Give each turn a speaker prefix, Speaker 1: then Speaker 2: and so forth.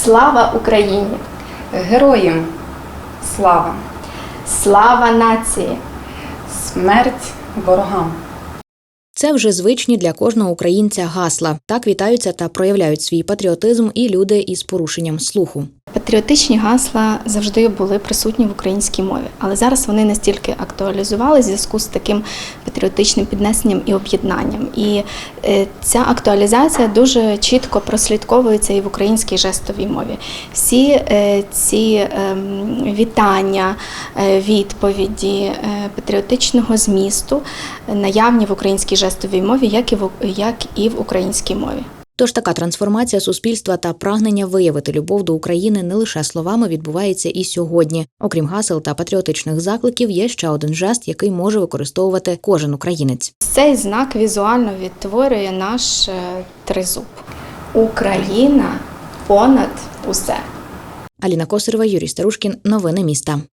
Speaker 1: Слава Україні!
Speaker 2: Героям слава!
Speaker 1: Слава нації!
Speaker 2: Смерть ворогам!
Speaker 3: Це вже звичні для кожного українця гасла. Так вітаються та проявляють свій патріотизм і люди із порушенням слуху.
Speaker 1: Патріотичні гасла завжди були присутні в українській мові, але зараз вони настільки актуалізувалися в зв'язку з таким патріотичним піднесенням і об'єднанням. І ця актуалізація дуже чітко прослідковується і в українській жестовій мові. Всі ці вітання, відповіді патріотичного змісту наявні в українській жестовій мові, як і в українській мові.
Speaker 3: Тож така трансформація суспільства та прагнення виявити любов до України не лише словами відбувається і сьогодні. Окрім гасел та патріотичних закликів, є ще один жест, який може використовувати кожен українець.
Speaker 1: Цей знак візуально відтворює наш тризуб. Україна понад усе.
Speaker 3: Аліна Косарева, Юрій Старушкін. Новини міста.